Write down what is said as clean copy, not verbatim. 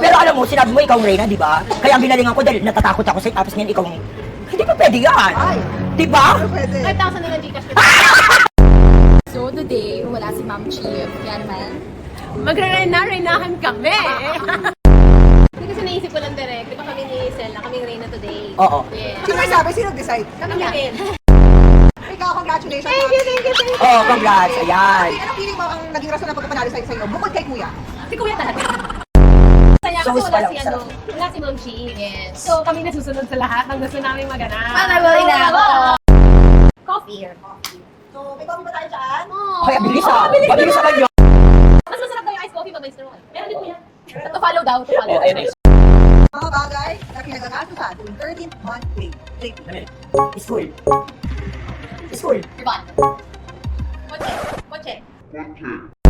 Pero alam mo, sinabi mo ikaw ang Reyna, di ba? Kaya ang binalingan ko dahil natatakot ako sa'yo, tapos ngayon ikaw ang... Hindi pa pwede yan. Di ba? 5,000 na Gcash ko. So today, wala si Ma'am Chief. Yan man. Magre-reyna-reynahan kami. Hindi kasi naisip ko lang direct. Di ba kami ni Sel na kaming Reyna today? Oo. Yeah. Sino sabi? Sino decide? Kami din. Ikaw, congratulations. Thank you. Oh, congrats. Ayan. Anong feeling mo ang naging rason ng pagpapanalo sa'yo? Bukod kay Kuya. Si Kuya talaga. Saya kasi So, wala sarap, si sarap. wala si Ma'am Chief. Yes. So kami nasusunod sa lahat ng gusto namin maganap. Coffee. So, may coffee ba tayo dyan? Kaya bilis ah. Mabilis naman yun. Mas masarap daw yung iced coffee pag may straw. Meron din kuya. To follow daw, to follow. Oh, ayun eh. Mga bagay na pinagkakasuhan tuwing 13th month pay. School. School. Diba? Kotse.